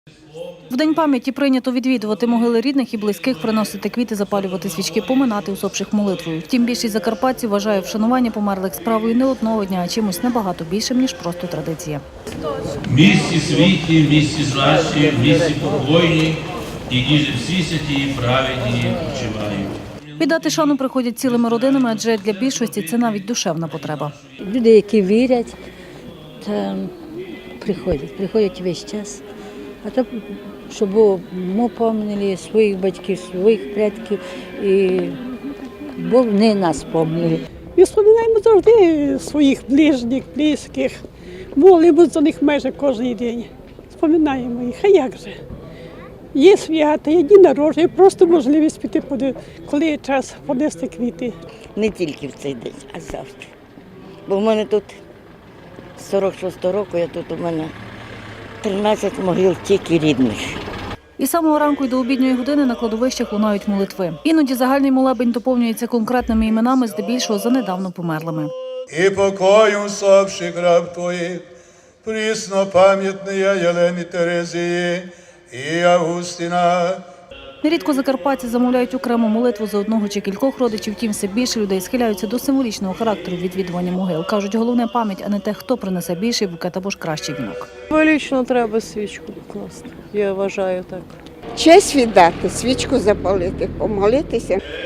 В День пам'яті прийнято відвідувати могили рідних і близьких, приносити квіти, запалювати свічки, поминати усопших молитвою. Втім, більшість закарпатців вважає вшанування померлих справою не одного дня, а чимось набагато більшим, ніж просто традиція. В місті світі, в місті злащі, в місті покойні, які ж всі святі і праведні почивають. Віддати шану приходять цілими родинами, адже для більшості це навіть душевна потреба. Люди, які вірять, приходять весь час. А то, щоб ми пам'ятали своїх батьків, своїх предків, і Бог не нас пам'ятали. Ми споминаємо завжди своїх ближніх, близьких, молимо за них майже кожен день. Споминаємо їх, а як же? Є свята, є дні народження, просто можливість піти, коли є час понести квіти. Не тільки в цей день, а завжди. Бо в мене тут з 46-го року, у мене 13 могил тільки рідних. І з самого ранку й до обідньої години на кладовищах лунають молитви. Іноді загальний молебень доповнюється конкретними іменами, здебільшого за недавно померлими. І покою усопших раб Твоїх, пріснопам'ятної Єлені Терезії і Августина. Нерідко закарпатці замовляють окрему молитву за одного чи кількох родичів, втім все більше людей схиляються до символічного характеру відвідування могил. Кажуть, головне пам'ять, а не те, хто принесе більший букет або ж кращий вінок. Символічно треба свічку покласти, я вважаю так. Честь віддати, свічку запалити, помолитися.